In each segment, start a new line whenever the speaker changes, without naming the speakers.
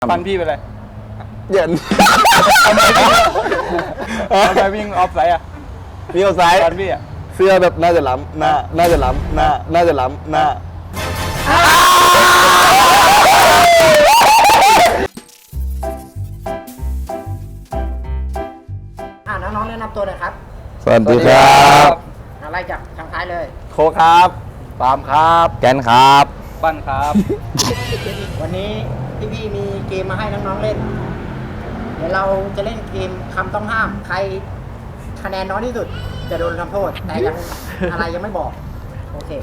ฟันพี่เป็นไร
เย็น
ทำไมวิ่งออฟไซด์อ่ะ
มีเอาซ้าย
ฟันพี่อ่ะ
เสื้อแบบน่าจะล้ำหน้าน่าจะล้ำหน้าน่าจะล้ำหน้า
น้องๆแนะนำตัวหน่อยครับ
สวัสดีครับ
อะไรจากทางท้ายเลย
โคครับปาล์มครับแกนครับ
ปั้นครับ
วันนี้พี่ๆมีเกมมาให้น้องๆเล่น เดี๋ยวเราจะเล่นเกมคำต้องห้าม ใครคะแนนน้อยที่สุด จะโดนทำโทษ แต่ยัง อะไรยังไม่บอก โอเค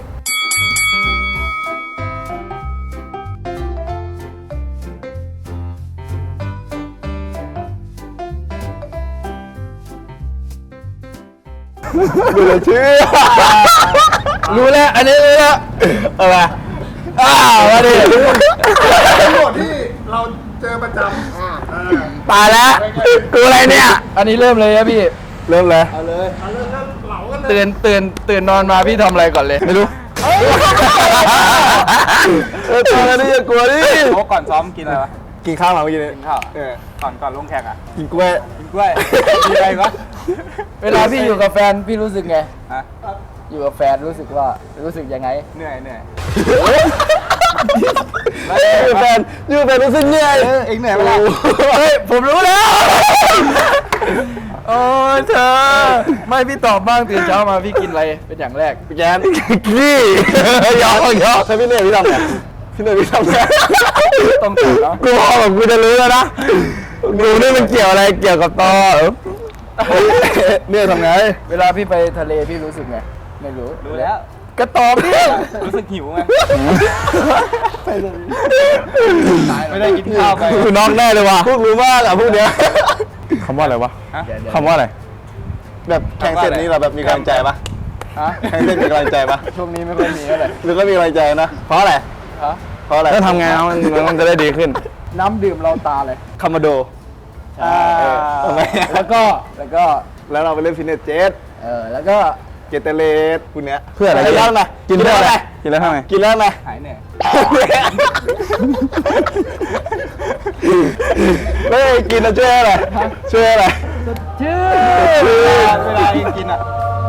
ดูเลยชื่อรู้แล้วอันนี้รู้แล้วอะไรมาดิ
โจทย์ที่เราเจอประจำ
ตายแล้วกูอะไรเนี่ย
อันนี้เริ่มเลยนะพี่
เริ่มเลย
เอาเลยเหลากันเลย
ตื่นนอนมาพี่ทำอะไรก่อนเลย
ไม่รู้ตอนนี้อย่ากลัวดิ
โอ้ก่อนซ้อมกินอะไรวะ
กินข้าวมาเมื่อกี้นี้
กินข้าว
เออ
ก่อนลงแข่งอ่ะ
กินกล้วย
กินกล้วยกินอะไรวะ
เวลาพี่อยู่กับแฟนพี่รู้สึกไง
ฮะ
อยู่กับแฟนรู้สึกยังไง
เหนื่อย
อยู่แฟนรู้สึกเหนื่อย
เองเหนื่อยไหมล่ะ
เฮ้ยผมรู้แล้ว
โอ้ยเธอ ไม่พี่ตอบบ้างตื่นเช้ามาพี่กินอะไรเป็นอย่างแรก
พี่แกนขี้ยอกถ้าพี่เหนื่อยพี่ทำไงพี่เหนื่อยพี่ทำไง
ต้องตอบเนาะ
กูพอแบบกูจะรู้แล้วนะกูนี่มันเกี่ยวอะไรเกี่ยวกับตอเนี่ยทำไง
เวลาพี่ไปทะเลพี่รู้สึกไงไม่รู้
รู้แล้ว
ก็ตอบดิ
รู้สึกหิวไงไม่ได้กินข้าวไป
กูน็อกแน่เลยว่ะพวกรู้มากอ่ะพวกเนี้ยคำว่าอะไรวะ
ฮะ
คำว่าอะไรแบบแข่งเสร็จนี้เราแบบมีกำลังใจปะ
ฮะ
แข่งเสร็จมีกำลังใจปะ
ช่วงนี้ไม่ค่อยมีเท่าไหร่
หรือก็มีกำลังใจนะเพราะอะไร
ฮะ
เพราะอะไรแล้วทำไงมันจะได้ดีขึ้น
น้ำดื่มเราตาเลย
คามาโด ทำไม
แล้วก็
แล้วเราไปเล่นฟิตเนสเจ็ต
แล้วก็
เกตเตเลสพวกเนี้ยเพื่ออะไรกินแล้วไงกินแล้วไงกินแล้วทำไงกินแล้วไง
หายเหนื่อย
เฮ้ยกินแล้วช่วยอะไรช่วยอะไร
ชื่อ
เวลาเองกินอ่ะ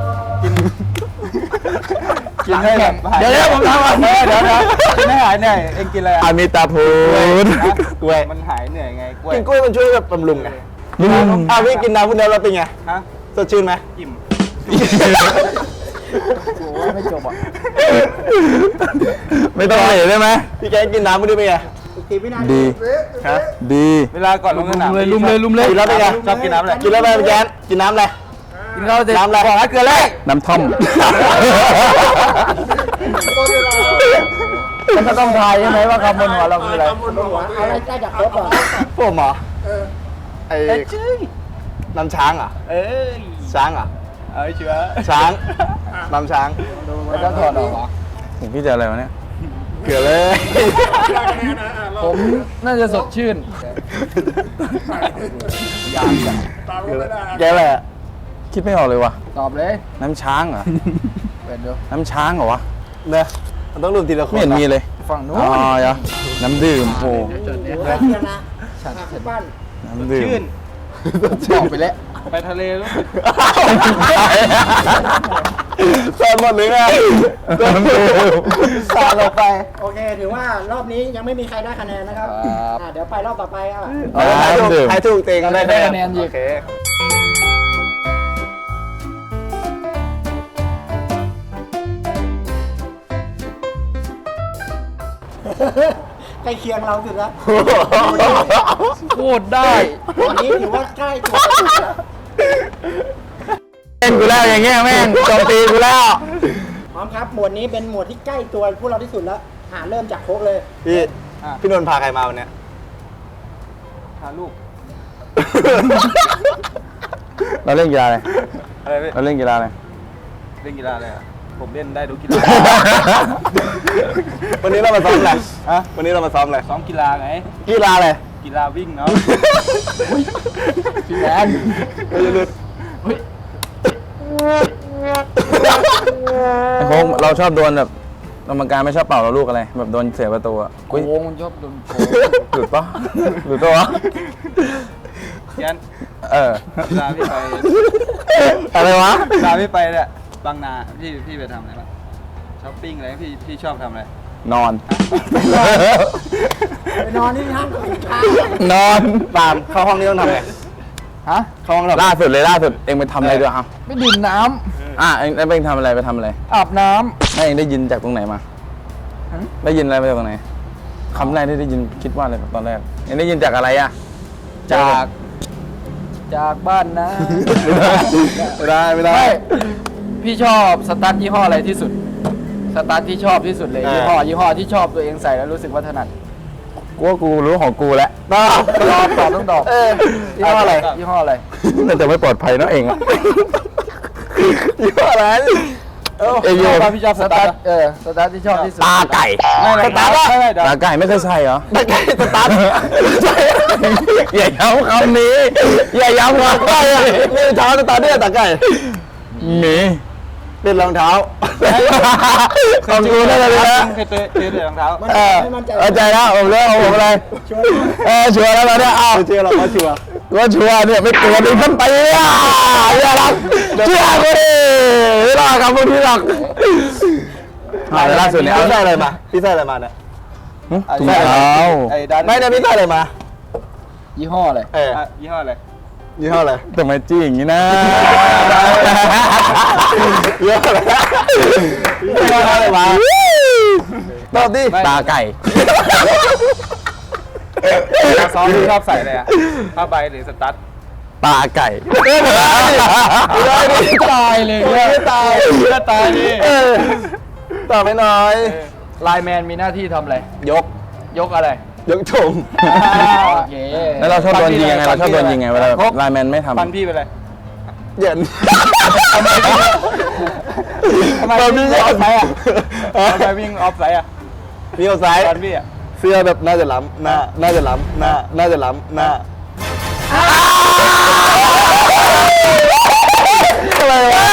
กินให้แบบ
เดี๋ยวผมทำก่อน
เดี๋ยวกินให้หายเหนื่อยเองกินอะไรอ่ะ
อามิตาพูนกล้วย
มันหายเหนื่อยไงกล้วย
กินกล้วยมันช่วยแบบบำรุงไงพี่กินน้ำพวกนี้เราเป็นไง
ฮะ
สดชื่นไหม
อิ่ม
โอ้ยไม่จบอ่ะ
ไม่ต้องเหนื่อยได้ไหมพี่แกกินน้ำพวกนี้เป็นไง
อีกทีวินาที
ดีฮะดี
เวลาก่อนลงสนาม
ลุมเลย
กินแล้วเป็นไง
ชอบกินน้ำอะไร
กินแล้วเป็นไงพี่แกกินน้ำอะไร
กินข้าวเสร็จ
น้ำอะไร
บอกให้เกลือแรก
น้ำท่อม
มันก็ต้องทายใช่ไหมว่าคำบนหัวเราคืออะไร
คำบนหัว
เอาอะไรได้จากครบเหรอ
ผมเหรอ ไอ้
ชื่อ
น้ำช้างเหรอ่ะ
เอ้ย
ช้างเหรอ่ะ
เอาเชื้อ
ช้างน้ำช้าง
มันต้องถอดออกเหรอ
ผมพี่จะอะไรวะเนี่ยเกลือเลย
ผมน่าจะสดชื่น
ตามก็ไม่ได้
แกอะไรอะคิดไม่ออกเลยว่ะ
ตอบเลย
น้ำช้างเหรอ
เป็นดู
น้ำช้างเหรอวะเนอะมันต้องรวมทีละคน
ไม่เห็นมี
เลย
ฝั่งนู้น
อ๋อน้ำดื่มโอ้
ถือว่าเทียมนะพี่ปั้น
น้ำดื่ม
ชื่น
บอกไปแล้ว
ไปทะเลรู้สึก
สอนหมดเลยไงสอนเราไป
โอเค ถือว่ารอบนี้ยังไม่มีใครได้คะแนนนะครับ เดี๋ยวไปรอบต่อไปอ่ะ
น้ำดื่มใครถูกเต็งได้
ได้คะแนนอี
โอก เค
ใกล้เคียงเราสุดแล้ว
พูดได้
วันนี้ถือว่าใกล้ตัวสุดแล้ว
เล่นกูแล้วอย่างเงี้ยแม่งโจมตีกูแล้ว
พร้อมครับ หมวดนี้เป็นหมวดที่ใกล้ตัวพวกเราที่สุดแล้วเริ่มจากโค้กเลย
พี่นนท์พาใครมาวันเนี้ย
หาลูก
เราเล่นกีฬาอะไร
อะไรพี่
เราเล่นกีฬาอะไร
เล่นกีฬาอะไรอ่ะผมเล่นได้ทุกกีฬา
วันนี้เรามาซ้อมอะไรฮะวันนี้เรามาซ้อมอะไร
ซ้อมกีฬาไง
กีฬาอะไร
กีฬาวิ่งเนาะ
พี่แอน
โค้งเราชอบโดนแบบกรรมการไม่ชอบเป่าเราลูกอะไรแบบโดนเสียประตูอ่ะ
โกงมันชอบโดนโกง
หลุดปะหลุดปะวะ
ยัน
เออ
ลาพี่ไป
อะไรวะ
ลาพี่ไปเนี่ยบางนาพี่ไปทำอะไรบ้างช้อปปิ้งอะไรพี่ชอบทำอะไร
นอน
ไปนอนที่ห้างก็เป็นข้า
นอนตามเข้าห้องนี้ต้องทำไง
ฮะ
เข้าห้องล่าสุดเองไปทำอะไรด้วยอ่ะ
ไม่ดื่มน้
เองไปทำอะไรไปทำอะไร
ำอาบน้
ให้เองได้ยินจากตรงไหนมา
ฮะ
ได้ยินอะไรมาจากตรงไหนคำแรกที่ได้ยินคิดว่าอะไรตอนแรกเองได้ยินจากอะไรอ่ะ
ำจากบ้านนะ
ไม่ได้
ไม่พี่ชอบสตาร์ทยี่ห้ออะไรที่สุด สตาร์ทที่ชอบที่สุดเลยยี่ห้อที่ชอบตัวเองใส่แล้วรู้สึกว่าถนัด
กูว่ากูรู้ของกูแล้ว
ตอบต้องตอบยี่ห้ออะไรยี่ห้ออะไร
น่าจะไม่ปลอดภัยเนาะเองอะยี่ห้ออะไรเอยโย
พี่ชอบสตาร์ทสตาร์ทที่ชอบที่สุด
ตาไก่
ไม่
ตาไก่ไม่เคยใส่เหรอตาไก่สตาร์ทอย่าย้ำคำนี้อย่าย้ำคำนี้นี่เท้าสตาร์ทเนี่ยตาไก่มีเป็นรองเท้าของกูได้เลยนะ
เคยเตะรองเท้า
เข้าใจแล้วผมเลิกเอาผมอะไรชัวร์แล้วตอนนี้เอาชัวร์เราก็ชัวร์เนี่ยไม่ตัวดึงขึ้นไปอ่ะอย่ารักเชื่อกูดิไม่รอครับพวกพี่หรอกล่าสุดเนี่ยพี่ใส่อะไรมาเนี่ยถุงเท้า
ไม่ได้พี่ใส่อะไรมา
ยี่ห้ออะไร
ยี่ห้ออะไร
ทำไมจี้อย่างนี้นะเยอะเลยอะไรมาตอบดิตาไก่
ซ้อมที่ชอบใส่อะไรอ่ะผ้าใบหรือสตั๊ด
ตาไก่
ตายเลย
ไม่ตายนี่ตอบไม่น้อย
ไลน์แมนมีหน้าที่ทำอะไร ยกอะไร
ยกชม
โอเค
แล้วเราชอบโดนยิงยังไงเวลาไลน์แมนไม่ทำ
ฟันพี่ไปเลย
เย็น
ทำไมพี่ออฟไซด์อ่ะทำไมวิ่งออฟไซด์อ่ะ
มีเอาซ้าย
ฟันพี่อ่ะ
เสื้อแบบน่าจะล้ำหน้าน่าจะล้ำหน้าน่าจะล้ำหน้าอะไรวะ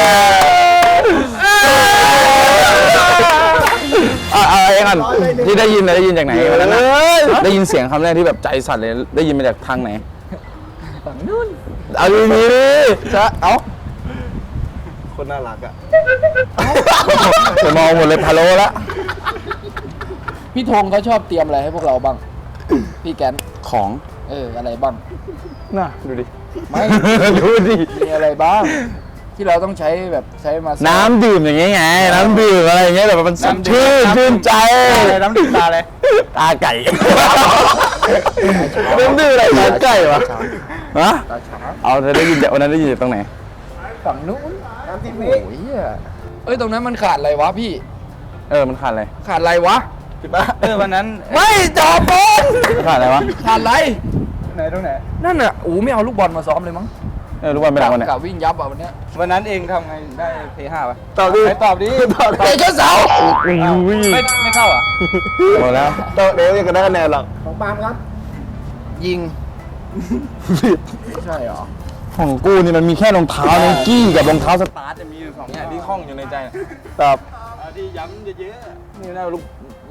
เองก่อนที่ได้ยินจากไหนวันนั้นได้ยินเสียงคำแรกที่แบบใจสั่นเลยได้ยินมาจากทางไหนฝั่งนู้นเอาดีๆดิจะเอาคนน่ารักอ่ะจะมองหมดเลยพะโล้ละ
พี่ธงเขาชอบเตรียมอะไรให้พวกเราบ้าง พี่แกน
ของ
อะไรบ้าง
น่ะดูดิ
ไม่
ดูดิ
มีอะไรบ้าง ที่เราต้องใช้แบบใช้มา
น้ำดื่มอย่างเงี้ยไงน้ำดื่มอะไรอย่างเงี้ยแบบมันสดชื่นใจ
น้ำดื่มตาเลย
ตาไก่น้ำดื่มอะไรตาไก่วะฮะ
ตาช้าง
เอาเธอได้ยินจากวันนั้นได้ยินจากตรงไหน
ฝั่งนู้น
30
โอ้
วิ
ยตรงนั้นมันขาดอะไรวะพี่
มันขาดอะไร
ขาดอะไรวะ
วันนั้น
ไม่จอบอล
ขาดอะไรวะ
ขาดอะไร
ไหนตรงไหน
นั่นน่ะไม่เอาลูกบอลมาซ้อมเลยมั้ง
รู้ว่าเป็นอะไรวะเนี่ย
กะวิ่งยับอ่ะวันเนี้ย
วันนั้นเองทำไงได้ P5 วะ
ตอบดิ
ตอบดิ
เตะชนเสา
ไม่เข้าอ่ะ
หมดแล้วเดี๋ยวยังก็ได้คะแนนหรอก
ของปาล์มครับ
ยิงไม่ใช่เหรอ
ของกูนี่มันมีแค่รองเท้าไนกี้กับรองเท้าสตาร์ทจะมีอยู่สองอย่างที่คล้องอยู่ในใจตอบ
ที่ย้ำเยอะ
นี่น่าลูก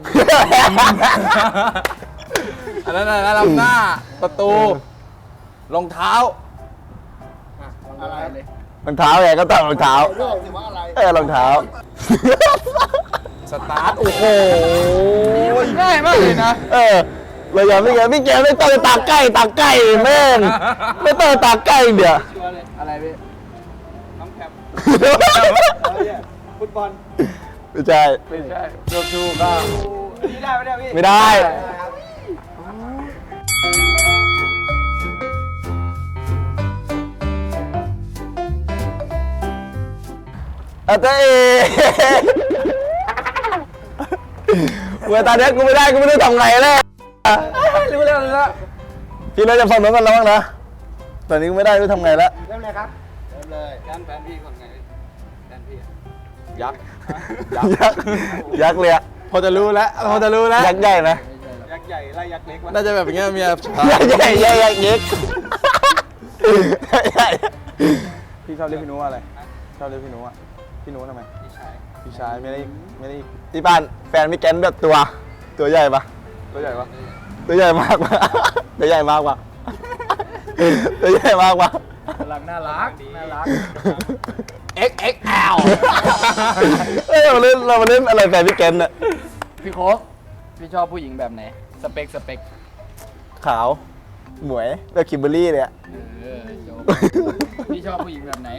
อันนั้นนะลำหน้าประตูรองเท้า
อะไร
รองเท้าไงก็ตอบรองเท้า
ถือว่าอะไร
รองเท้าสตาร์ทโอ้โห
ง่ายมากเลยนะ
เราอย่าไม่แกไม่ต้องตาใกล้แม่งไม่ต้องตาใกล้เดี๋ยว
ชัวร์เลย
อะไรพี่
น้องแคปอะไรอ่ะฟุตบอล
ไม่ใช่
ไม่ใช่ดูก็นี่ได้ไหมเนี่ยพี่
ไม่ได้เต้เมื่อตอนนี้กูไม่ได้กูไม่รู้ทำไงแล้ว
รู้แล้ว
พี่น่าจะฟังน้องกันแล้วบ้างนะตอนนี้กูไม่ได้รู้ทำไงแล้ว
เริ่มเลยครับ
เริ่มเลยด้านแฟนพี่คนไงแฟนพี่
ยักษ์เลยอะพอจะรู้แล้วยักษ์ใหญ่ไหม
ยักษ์ใหญ่ไล่ยักษ์เล็กวะ
น่าจะแบบอย่างเงี้ยมียักษ์ใหญ่ยักษ์เล็กพี่ชอบเรียกพี่นุ้อะไรชอบเรียกพี่นุ้ทำไม
พี่ชาย
พี่ชายไม่ได้ที่บ้านแฟนพี่แกนแบบตัวใหญ่ปะ
ตัวใหญ่ปะ
ตัวใหญ่มากปะตัวใหญ่มากปะตัวใหญ่มากปะ
กำลังน่ารักน่ารัก
XXL เฮ้ยเรามาเล่นอะไรแฟนพี่แกนน่ะ
พี่โค้กพี่ชอบผู้หญิงแบบไหนสเปค
ขาวหมวยแบบคิมเบอร์รี่เลยอะ
จบพี่ชอบผู้หญิงแบบไหน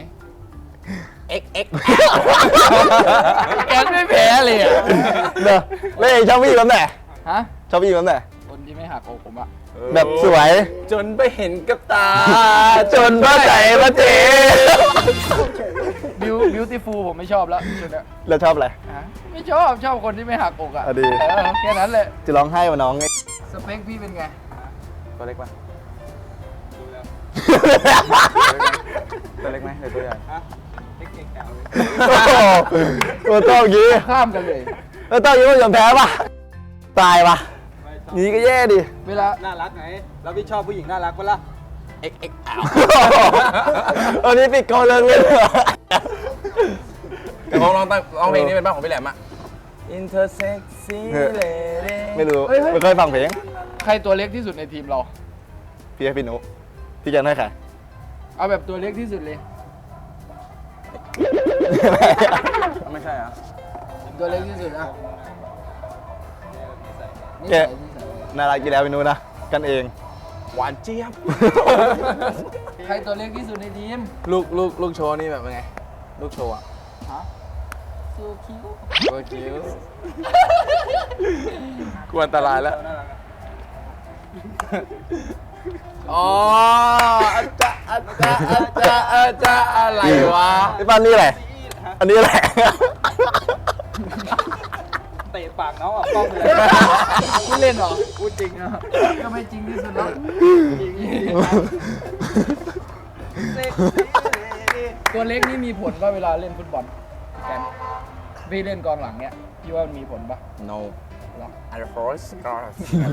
XXL
แกไม่แพ้เลยอ่ะ
เนอะแล้วเองชอบผู้หญิงแบบไหน
ฮะ
ชอบผู้หญิงแบบไหน
คนที่ไม่หักอกผมอ่ะ
แบบสวย
จนไปเห็นกับตา
จนพระใจมาเจ
บิวตี้ฟูลผมไม่ชอบแล้วชุดเนี้ย
แล้วชอบอะไร
ฮะไม่ชอบคนที่ไม่หักอกอ่ะ
อ่ะดี
แค่นั้นแหละ
จะร้องไห้ว่าน้องไง
สเปคพี่เป็นไง
ตัวเล็กปะ
ดูแล้ว
ตัวเล็กไหมหรือตัวใหญ่
ฮะเล็กๆแถวเลย
โอ้โหตัวโต้อย่างงี้
ข้ามกันเลย
ตัวโต้อย่างงี้มันยอมแพ้ปะตายปะ
ไม่ชอบ
งี้ก็แย่ดิ
เวลา
น่ารักไงแล้วพี่ชอบผู้หญิงน่ารักปะล่ะ
XXL วันนี้ปิดกองเลิกเล่น
แต่ผมร้องเพลงนี้เป็นบ้านของพี่แหลมอะ Intersexy Lady
ไม่รู้ไม่เคยฟังเพลง
ใครตัวเล็กที่สุดในทีมเรา
พี่ให้พี่นุพี่แกนให้ใคร
เอาแบบตัวเล็กที่สุดเลย
ไม่ใช่อะ
ตัวเล็กที่สุดอ่ะ
แกน่ารักกี่แล้วพี่นุนะกันเอง
หวานเจี๊ยบ
ใครตัวเล็กที่สุดในทีม
ลูกโชว์นี่แบบเป็นไง ลูกโชว์อะ
ฮะซูคิว
ตัวคิ้วกลัวอันตรายแล้ว
น่ารักอะ
อ๋ออาจารย์อะไรวะ
พี่ปานนี่อะไรอันนี้อะไร
เตะปากน้องออกกล้องเลย
พูดเล่นเหรอ
พูดจริงนะ
ก็ไม่จริงที่สุดแล้ว
จริงเซ็ก
ตัวเล็กนี่มีผลป่ะเวลาเล่นฟุตบอลพี่แกนพี่เล่นกองหลังเนี่ยพี่ว่ามันมีผลป่ะ
No
หรอ
I force scars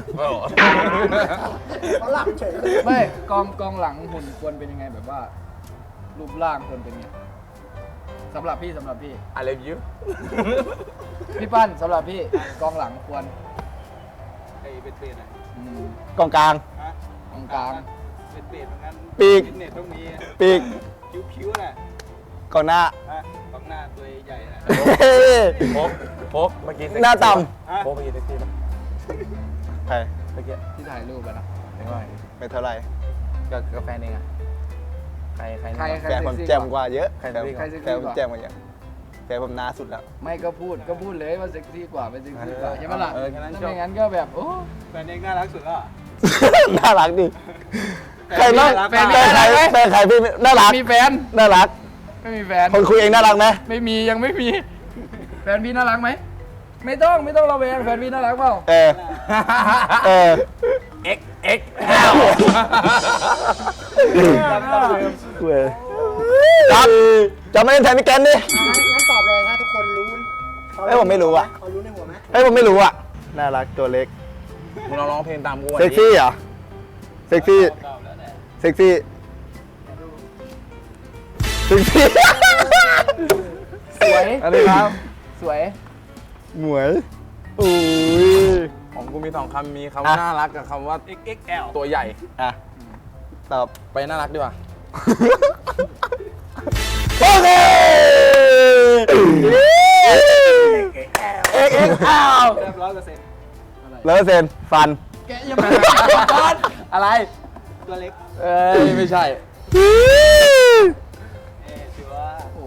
เขาหลับเฉยเลย
ไม่กองหลังหุ่นควรเป็นยังไงแบบว่า รูปร่างควรเป็นไงสำหรับพี่
I love you
พี่ปั้นสำหรับพี่กองหลังควร
ไอ้เป็นเปรตอะ
กองกลาง
ฮะ
กองกลาง
เป็นเปรตเหมือนกัน
ปีก
ฟิตเนสต้องมี
ปีก
คิ้วๆน่ะ
กองหน้า
ฮะของหน้าตัวใหญ่ๆน่ะ
โพกเมื่อกี้
หน้าต่
โพกเมื่อกี้เซ็กซี่ปะ
ำใคร
เมื่อกี้
ที่ถ่ายรูปอะนะ
เห็นว่า
ไม่เท่าไหร่
กับแฟนเองอะใคร
ใคร
แฟนผมแจ่มกว่าเยอะ
ใคร
แฟน
เซ็กซี่กว่า
ใครเซ็ก
แฟ
ซี่
นผม
กว่า
แจ่มกว่าเยอะแฟนผมหน้าสุดแล้ว
ไม่ก็พูดเลยว่าเซ็กซี่กว่าเป็นเซ็กซี่กว่าใช่ไหมล่ะ
เออแค่นั้นจบ
ไม่งั้นก็แบบโอ้
แฟนเองน่ารักสุดแล้วอะ
น่ารักดิใครน่า
แฟน
แฟนใครแฟนใครพี่น่ารัก
มีแฟน
น่ารัก
ไม่มีแฟน
คนคุยเองน่ารักไหม
ไม่มียังไม่มีแฟนพี่น่ารักไหมไม่ต้องเราแวงแฟนพี่น่ารักเปล่า
เออเออ
XXL
เว้ยครับจะไม่เล่นแทนพี่แกนดิ
งั้นตอบเลยถ้าทุกคนรู้
เอ้ยผมไม่รู้อะ
เขารู้ในหัวไหม
เฮ้ยผมไม่รู้อ่ะน่ารักตัวเล็ก
มึงลองร้องเพลงตามกู
เซ็กซี่เหรอเซ็กซี่
ตอบแล้วแหละ
เซ็กซี่เซ็กซี่
สวย
อะไรครับ
สวย
หมวยอุ้ย
ของกูมี2คำมีคำว่าน่ารักกับคำว่า
XXL
ตัวใหญ่
อ่ะตอบ
ไปน่ารักดีกว่า
โอเค XXL
เรียบ100%
แล้วเซนฟัน
แกยังไม่ฟันอะไร
ตัวเล็ก
เอ้ย ไม่ใช่
ถือว่า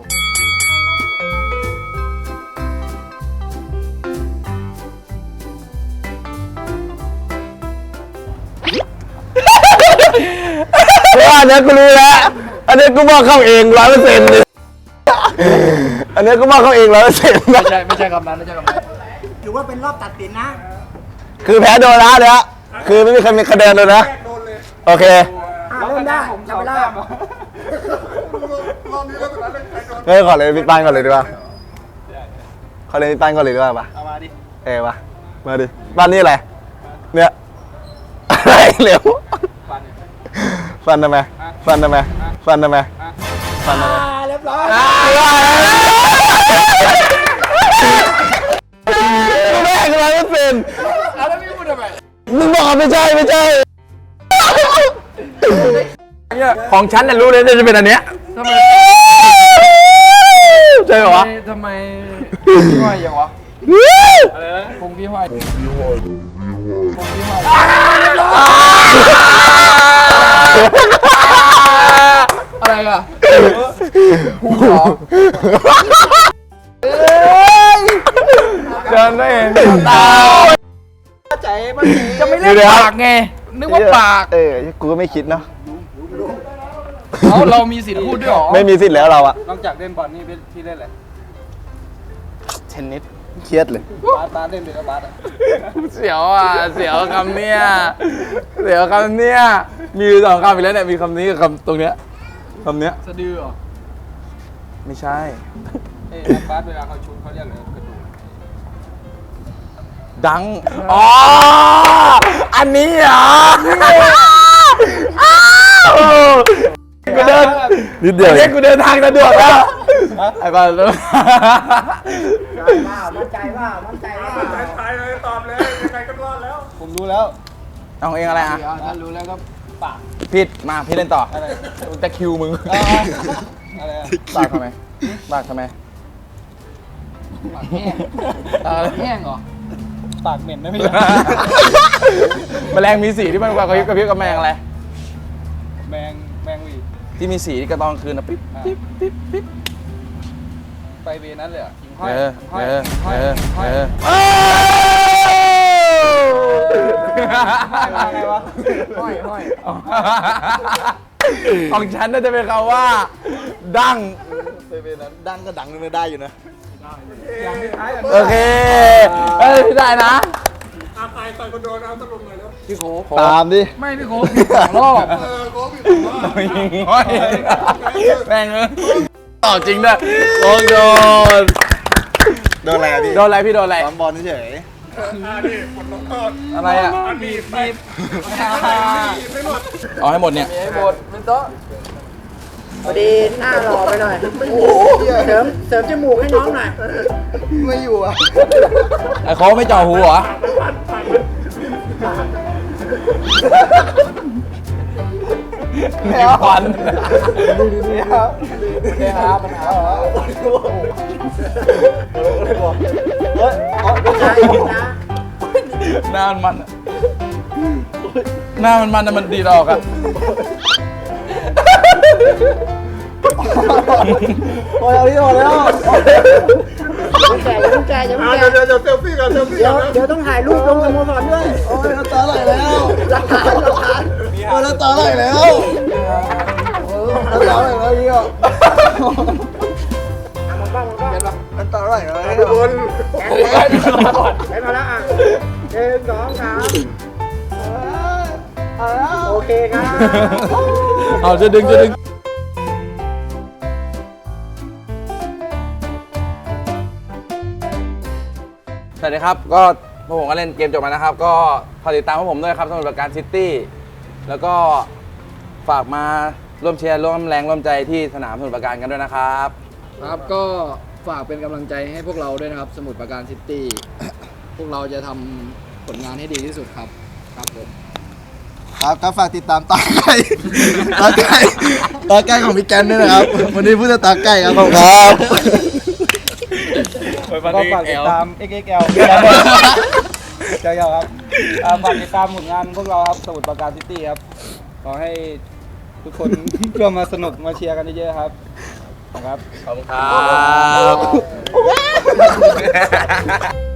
อันนี้กูรู้แล้วอันนี้กูบอกเข้าเอง100%เลยอันนี้กูบอกเข้าเอง100%
ไม่ใช่คำนั้นไม่ใช่คำนั้น
ถือว่าเป็นรอบตัดสินนะ
คือแพ้โดนละเนี่ยคือไม่มีใครมีคะแนนเลยนะ
โดนเลย
โอเค
เริ่มได้
ผม
จับเวลา
รอบนี้แล้วสุดท้ายเลยใครโดน
เฮ้ยขอเลยพี่ปานก่อนเลยดีกว่าขอเลยพี่ปานก่อนเลยดีกว่าปะ
เอามาดิ
ปะมาดิปานนี่อะไรเนี่ยอะไรเร็ว
ฟัน
ฟันทำไมฟันทำไมฟันทำไมฟันทำไม
เรียบร้อย
มึงบอกไม่ใช่
ของฉันน่ะรู้เลยจะเป็นอันเนี้ย
ทำไม
ใช่เหรอวะ
ทำไมพี่ห้อยอย่างวะคงพี่ห้อยอะไรอ่ะหูเหรอ
เดินไม่เห็นตา
จะไม่เล่นปากไงนึกว่าปาก
กูก็ไม่คิดเนาะ
เรามีสิทธิ์พูดด้วยเหรอ
ไม่มีสิทธิ์แล้วเราอะ
นอกจากเล่นบอลนี่พี่เล่นอะไร
เทนนิสเครียดเลย
บาสเล่นเป็นบาสอ่ะ
เสียวอ่ะเสียวคำเนี้ยเสียวคำเนี้ยมีอยู่2คำอีกแล้วเนี่ยมีคำนี้กับคำตรงเนี้ยคำเนี้ย
สะดือเหรอ
ไม่ใช่
นักบาสเวลาเขาชุดเขาเรียกอะไรกระดูก
ดังอ๋ออันนี้เหรอกูเดิน
นิดเดียว
เรียกกูเดินทางสะดวกแล้วไอ้บ้าเลย
มั่นใจว่า
ตายเลยตอบเลยยังไงก็รอดแล้ว
ผมรู้แล้ว
เอาเองอะไรอ่ะ
ถ้ารู้แล้วก็ปาก
ผิดมาพี่เล่นต่อ
อะไร
จะคิวมึง
อะไรอะ
บากทำไมบากทำไม
ปากแห้งแห้งเหรอ
ปากเหม็นนะพี่
แมลงมีสีที่มันกว่ากระพริบกับแมงอะไร
แมงวี
ที่มีสีที่กระตอนคืนนะปิ๊บปิ๊บปิ๊บปิ๊บ
ไปเวนั้นเลยอ่ะหิ่งห้อย
ห้อย ของฉันน่าจะเป็นคำว่า ดัง
ไปเป็นนั้นดังก็ดังไม่ได้อยู่นะ
โอเคเอ้ยพี่ได้นะ
อาใครต่อยคนโดนเอาสรุปหน่อยแล้ว
พี่โคก
ตามดิ
ไม่พี่โคกผิด2 รอบ
โค้ชพี่ผมว่า
ห้อยแม่งต่อจริงด้วยโอ้โดน
โดนอะไรอะพี่
โดนอะไรพี่โดนอะไร
ซ้อมบอลเฉย
นี่ผลลงโทษ
อะไรอ่ะ
บีบไม่หมด
เอาให้หมดเนี่ย
ไอ้บทเป็นโต๊ะ
พอดีหน้าหล่อไปหน่อยเสริมจมูกให้น้องหน่อย
ไม่อยู่อะ
ไอ้เขาไม่เจ่อหูเหรอ มีควัน หน้ามันอะหน้ามันอะมันดีดอกอะ
โอ้ยเอาที่โดนแล้ว
อย่าแก่อย่าแก่
เดี๋ยวเซลฟี่กันเซลฟี่
เดี๋
กั
ยวน เดี๋ยวต้องถ่ายรูปลงสโมสรด้วย
โอ้ยน้ำตาไหลแล้ว
หลักฐาน
โอ้ยน้ำตาไหลแล้วน้ำตาไหลแล้วเหี้ยน้ำตาไหลแล้ว
ทุกคน
ไปมาแล้วอ่ะ1 2 3โอเคครับ
เอาจะดึงสวัสดีครับ ก็พวกผมก็เล่นเกมจบมานะครับ ก็ฝากติดตามพวกผมด้วยครับสมุทรปราการซิตี้แล้วก็ฝากมาร่วมเชียร์ร่วมแรงร่วมใจที่สนามสมุทรปราการกันด้วยนะครับ
ครับก็ฝากเป็นกำลังใจให้พวกเราด้วยนะครับ สมุทรปราการซิตี้ พวกเราจะทำผลงานให้ดีที่สุดครับครับผม
ครับก็ฝากติดตามตาไก่ของพี่แกนด้วยนะครับ วันนี้ผู้จะตาไก่ครับผมครับ
ก็ฝากติดตาม XXL เจ้าครับฝากติดตามผลงานพวกเราครับสมุทรปราการซิตี้ครับ ขอให้ทุกคน ร่วมมาสนุกมาเชียร์กันเยอะๆครับขอบคุณครับ
ขอบคุณครับ